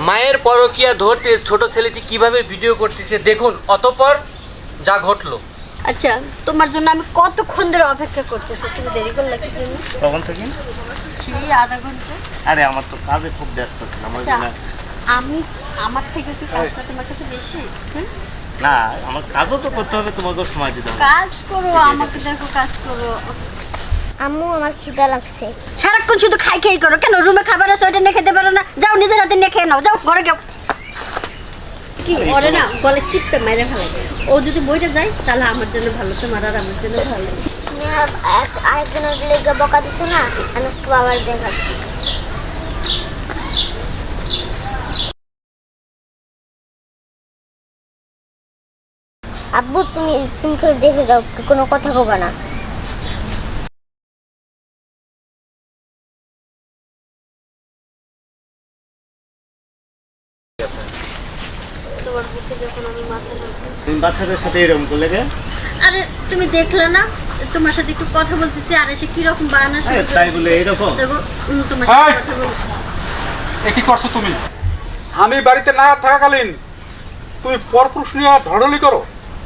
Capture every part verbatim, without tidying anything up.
মায়ের পরকীয়া ধরতে ছোট ছেলেটি কিভাবে ভিডিও করতেছে দেখুন, অতঃপর যা ঘটলো। আচ্ছা, তোমার জন্য আমি কতক্ষণ ধরে অপেক্ষা করতেছি, তুমি দেরি করলে কি জন্য? কখন থেকে? সেই আধা ঘন্টা। আরে আমার তো কাজে খুব ব্যস্ত ছিলাম ওই আচ্ছা, জন্য। আমি আমার থেকে কি কাজটা তোমার কাছে বেশি? হুম? না, আমার কাজও তো করতে হবে, তোমাকেও সময় দিতে হবে। কাজ করো, আমাকে দেখো কাজ করো। আম্মু আমার খিদা লাগছে। সারাক্ষণ শুধু খাই খাই করো কেন? রুমে খাবার আছে, ওইটা নিয়ে খেতে পারো না? যাও নিজের হাতে নিয়ে খেয়ে নাও, যাও ঘরে যাও। কি ওরে না বলে চিপটা মেরে ফেলে। ও যদি বইটা যায় তাহলে আমার জন্য ভালো, তোমার আর আমার জন্য ভালো। তুমি আরেকজনের লেগে বকা দিছো না, আমি আজকে বাবার দেখাচ্ছি। আব্বু তুমি তুমি করে দেখে যাও, কোনো কথা কবা না। তোমার বুকে যখন আমি মাথা রাখি। তুমি বাচ্চাদের সাথে এরকম করলে কে? আরে তুমি দেখলে না তোমার সাথে একটু কথা বলতেছি আর এসে কি রকম বাহানা শুরু আরে তাই বলে এরকম? দেখো উম, তোমার সাথে এই! কথা বল। এ কি করছো তুমি? আমি বাড়িতে না থাকাকালীন তুমি পরপুরুষ নিয়ে ঢড়লি করো?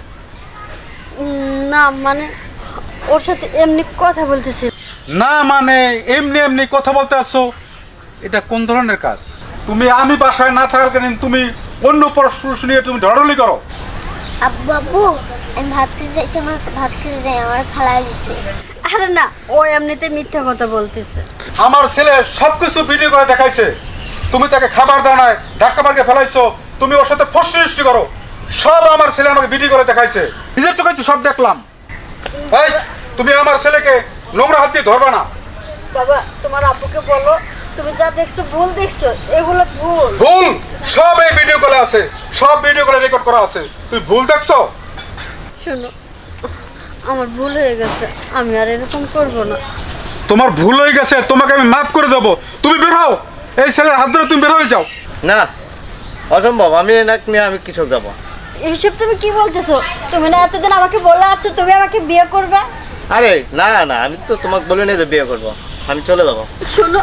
উম, না মানে ওর সাথে এমনি কথা বলতেছি। না মানে এমনি এমনি কথা বলতে আসছো, এটা কোন ধরনের কাজ? তুমি আমি বাসায় না থাকাকালীন তুমি অন্য পরপুরুষ নিয়ে তুমি ঢড়লি করো? আব্বু আব্বু আমি ভাত খেতে চাইছি, আমার ভাত খেতে যাই, আমার খালাই দিছে। আরে না, ও এমনিতে মিথ্যা কথা বলতেছে। আমার ছেলে সব কিছু ভিডিও করে দেখাইছে, তুমি তাকে খাবার দাও নাই, ধাক্কা মার্কে ফেলাইছো, তুমি ওর সাথে ফষ্টি করো, সব আমার ছেলে আমাকে ভিডিও করে দেখাইছে, নিজের চোখে তো সব দেখলাম। এই তুমি আমার ছেলেকে নোংরা হাত দিয়ে ধরবে না। বাবা তোমার আব্বুকে বলো তুমি যা দেখছো ভুল দেখছো, এগুলো ভুল। ভুল সব এই ভিডিও কলে আছে, সব ভিডিও কলে রেকর্ড করা আছে, তুই ভুল দেখছো? শোনো, আমার ভুল হয়ে গেছে, আমি আর এরকম করব না। তোমার ভুল হয়ে গেছে, তোমাকে আমি মাফ করে দেবো, তুমি বের হও, এই ছেলের হাত ধরে তুমি বের হয়ে যাও। না, অসম্ভব, আমি এনাক নিয়ে আমি কিছু যাবো। এইসব তুমি কি বলতেছো? তুমি না এতদিন আমাকে বলে আছো তুমি আমাকে বিয়ে করবে। আরে না না, আমি তো তোমাকে বলে নিয়ে যে বিয়ে করবো, আমি চলে যাবো। শোনো,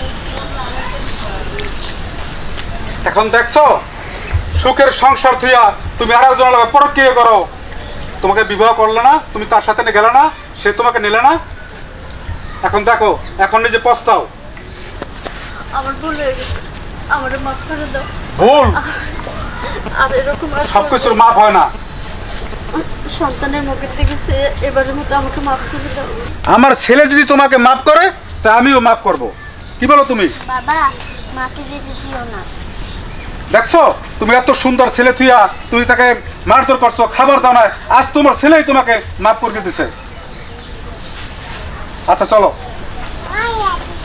এখন দেখছো সুখের সংসার থুইয়া তুমি আর একজনের লগে পরকীয়া করো, তোমাকে বিবাহ করলে না, তুমি তার সাথে নিয়ে গেলে না, সে তোমাকে নিলে না, এখন দেখো এখন নিজে পস্তাও। আমার ভুল হয়ে গেছে, আমার মাফ করে দাও। ভুল আর এরকম আর সব কিছুর মাপ হয় না। সন্তানের মুখের দেখেছে, এবারের মতো আমাকে মাফ করে দাও। আমার ছেলে যদি তোমাকে মাফ করে তা আমিও মাফ করব, কি বলো তুমি? বাবা মাকে যেতে দিও না। দেখছো তুমি এত সুন্দর ছেলে থুইয়া তুমি তাকে মারধর করছো, খাবার দাও না, আজ তোমার ছেলেই তোমাকে মাফ করে দিতেছে। আচ্ছা চলো।